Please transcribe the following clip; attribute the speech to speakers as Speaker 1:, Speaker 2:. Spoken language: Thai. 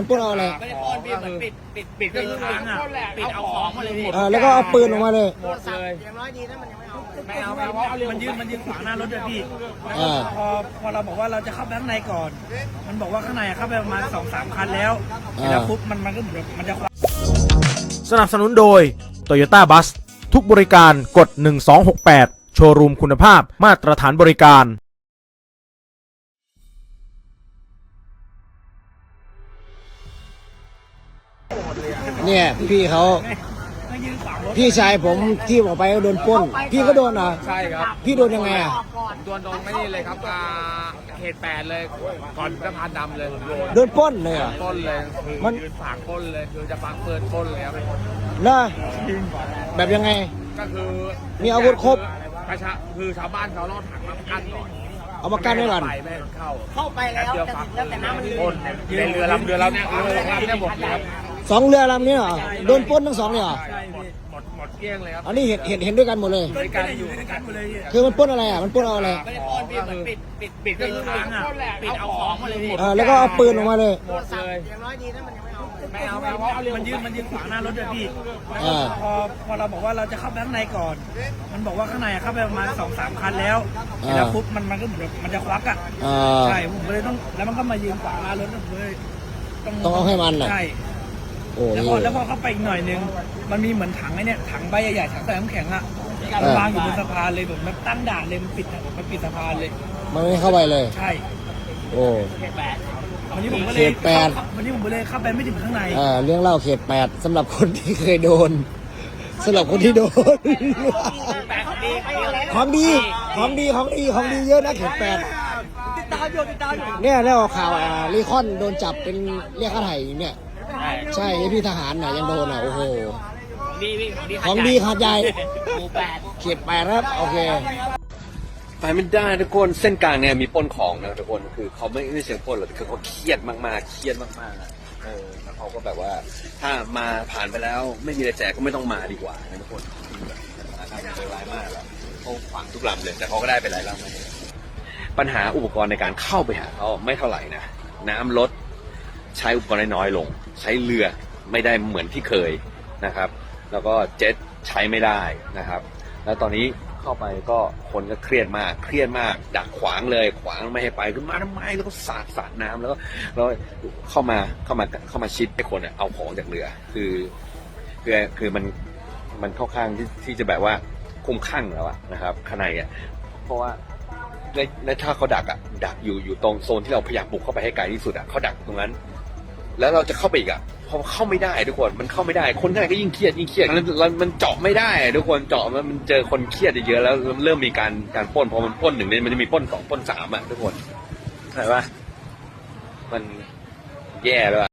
Speaker 1: มันปล้นเอาอะไร
Speaker 2: ไม่ได้ปล้นพี่เหมือนปิดก็คือขังอ่ะปิดเอาของมาเลยพี่
Speaker 1: แล้วก็เอาปืนออกมาเลย
Speaker 2: หมดเลย
Speaker 3: อย่างน้อยดีนะมันยังไม่เอา
Speaker 2: เพราะมันยืนขวางหน้ารถด้วยพี่พอเราบอกว่าเราจะเข้าไปข้างในก่อนมันบอกว่าข้างในเข้าไปประมาณ 2-3 คันแล้วปุ๊บมันก็เหมือนมันจะ
Speaker 4: สนับสนุนโดย Toyota Bus ทุกบริการกด1268โชว์รูมคุณภาพมาตรฐานบริการ
Speaker 1: เนี่ยพี่ชายผมที่ออกไปก็โดนปล้นพี่ก็โดนเหรอ
Speaker 5: ใช่ครับ
Speaker 1: พี่โดนยังไงอ่ะ
Speaker 5: โดนตรงนี่เลยครับเขต8เลยก่อนสะพานดำเลย
Speaker 1: โดนปล้นเลยอ่ะ
Speaker 5: ปล้นเลยมันยืนฝากปล้นเลยคือจะฝากเปิดปล้นเลยครับ
Speaker 1: นะแบบยังไง
Speaker 5: ก็คือ
Speaker 1: มีอาวุธครบ
Speaker 5: คือชาวบ้านเขาล่อถังมากั้นก่อน
Speaker 1: เอามากั้นไว้ก่อน
Speaker 3: เข้าไปแล้วแต่น้ำมัน
Speaker 5: ปล้นในเรือลำเราเนี่ยหมดเลยครับ
Speaker 1: 2 เรือลำนี้เหรอโดนปล้นทั้ง2เลยเหรอ
Speaker 5: หมดเกลี้ยงเลยครับ
Speaker 1: อันนี้เห็นด้วยกันหมดเลย
Speaker 2: ด้วยกันอยู่ด้วยกันหมดเลย
Speaker 1: คือมันปล้นอะไรอ่ะมันปล้นเอาอะไร
Speaker 2: ไม่ได้ปล้นพี่เหมือนปิดก็คือขังอ่ะปิดเอาของมาเลยพี่
Speaker 1: แล้วก็เอาปืนออกมาเลย
Speaker 3: หมดเลยอย่างน้อยดีนะมันยังไม่เอา
Speaker 2: เพราะมันยืนขวางหน้ารถด้วยพี่พอเราบอกว่าเราจะเข้าไปข้างในก่อนมันบอกว่าข้างในเข้าไปประมาณ 2-3 คันแล้วปุ๊บมันก็เหมือนมันจะควักอ่ะใช่ผมเลยต้องแล้วมันก็มายืนขวางหน้ารถเลย
Speaker 1: ต้องเอาให้มัน
Speaker 2: ใช่แล้วพอเข้าไปอีกหน่อยนึงมันมีเหมือนถังไอ้เนี่ยถังใบใหญ่ๆถังใส่น้ำแข็งอ่ะวางอยู่บนสะพานเลยแบบมันตั้งด่านเลยมันปิดสะพานเลย
Speaker 1: มันไม่เข้าไปเลย
Speaker 2: ใช่
Speaker 1: โอ้
Speaker 2: วันนี้ผมก็เลยวันนี้ผมเลยเข้าไปไม่ถึงข้างใน
Speaker 1: เรื่องเล่าเขต8สำหรับคนที่เคยโดนสำหรับคนที่โดนของดีเยอะนะเขต8
Speaker 3: ติดตามอยู่
Speaker 1: เนี่ยได้ออกข่าวลีคอนโดนจับเป็นเรียกค่าไถ่เนี่ยใช่พี่ทหารน่ะยังโดนโอ้โหของดีขาดใหญ่เขต8ครับโอเค
Speaker 6: ไปไม่ได้ทุกคนเส้นกลางเนี่ยมีปล้นของนะทุกคนคือเขาไม่เชิงปล้นหรอกคือเขาเครียดมากๆแล้วเขาก็แบบว่าถ้ามาผ่านไปแล้วไม่มีอะไรแจกก็ไม่ต้องมาดีกว่านะทุกคนใจร้ายมากแล้วเขาขวางทุกลำเลยแต่เขาก็ได้ไปหลายลำปัญหาอุปกรณ์ในการเข้าไปหาเขาไม่เท่าไหร่นะน้ำลดใช้อุปกรณ์น้อยลงใช้เรือไม่ได้เหมือนที่เคยนะครับแล้วก็เจ็ตใช้ไม่ได้นะครับแล้วตอนนี้เข้าไปก็คนก็เครียดมากดักขวางไม่ให้ไปขึ้นมาทำไมแล้วก็สาดน้ำแล้วเข้ามาชิดไอ้คนเอาของจากเรือคือมันเข้าข้างที่จะแบบว่าคุ้มข้างแล้วนะครับข้างในเพราะว่าในถ้าเขาดักอยู่ตรงโซนที่เราพยายามบุกเข้าไปให้ไกลที่สุดเขาดักตรงนั้นแล้วเราจะเข้าไปอีกพอเข้าไม่ได้ทุกคนมันเข้าไม่ได้คนข้างในก็ยิ่งเครียดแล้วมันเจาะไม่ได้ทุกคนเจาะมันเจอคนเครียดเยอะแล้วเริ่มมีการปล้นพอมันปล้น1เนี่ยมันจะมีปล้น2ปล้น3ทุกคนเห็นปะมันแย่แล้ว